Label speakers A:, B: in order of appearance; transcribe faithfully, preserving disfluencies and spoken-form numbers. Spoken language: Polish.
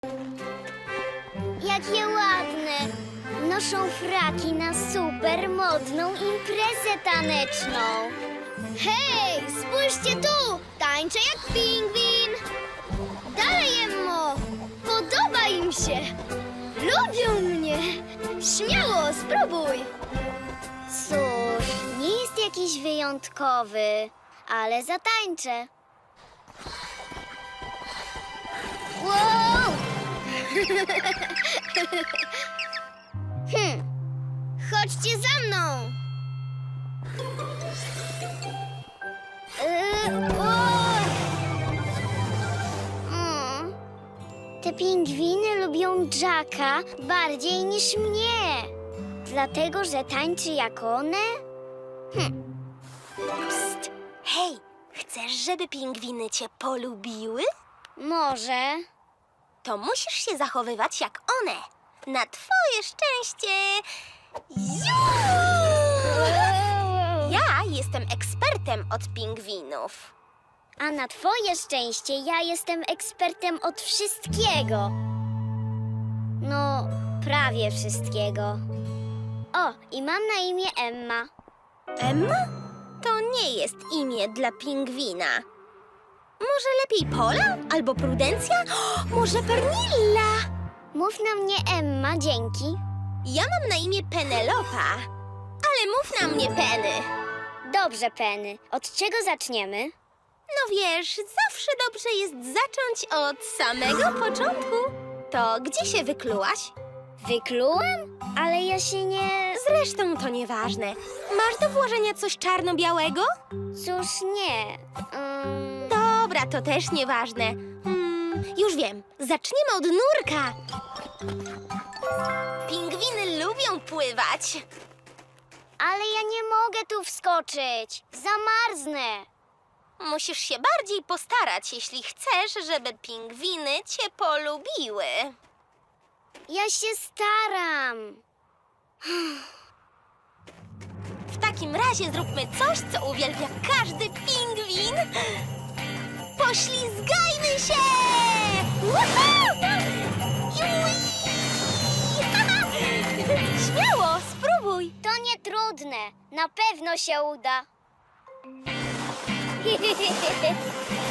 A: Jakie ładne! Noszą fraki na super modną imprezę taneczną. Hej, spójrzcie tu! Tańczę jak pingwin! Dalej, Emmo! Podoba im się! Lubią mnie! Śmiało, spróbuj! Cóż, nie jest jakiś wyjątkowy, ale zatańczę. Wow! hm. Chodźcie za mną! Yy, o! Mm. Te pingwiny lubią Jacka bardziej niż mnie. Dlatego, że tańczy jak one? Hm.
B: Psst. Hej, chcesz, żeby pingwiny cię polubiły?
A: Może.
B: To musisz się zachowywać jak one. Na twoje szczęście. Ziu! Ja jestem ekspertem od pingwinów.
A: A na twoje szczęście ja jestem ekspertem od wszystkiego. No, prawie wszystkiego. O, i mam na imię Emma.
B: Emma? To nie jest imię dla pingwina. Może lepiej Pola? Albo Prudencja? O, może Pernilla?
A: Mów na mnie Emma, dzięki.
B: Ja mam na imię Penelopa, ale mów na mnie Penny.
A: Dobrze, Penny. Od czego zaczniemy?
B: No wiesz, zawsze dobrze jest zacząć od samego początku. To gdzie się wyklułaś?
A: Wyklułem? Ale ja się nie...
B: Zresztą to nieważne. Masz do włożenia coś czarno-białego?
A: Cóż, nie. Um...
B: Dobra, to też nieważne. Hmm, już wiem. Zaczniemy od nurka. Pingwiny lubią pływać.
A: Ale ja nie mogę tu wskoczyć. Zamarznę.
B: Musisz się bardziej postarać, jeśli chcesz, żeby pingwiny cię polubiły.
A: Ja się staram.
B: W takim razie zróbmy coś, co uwielbia każdy pingwin. Poślizgajmy się! Woohoo! Jui! Śmiało, spróbuj.
A: To nie trudne. Na pewno się uda.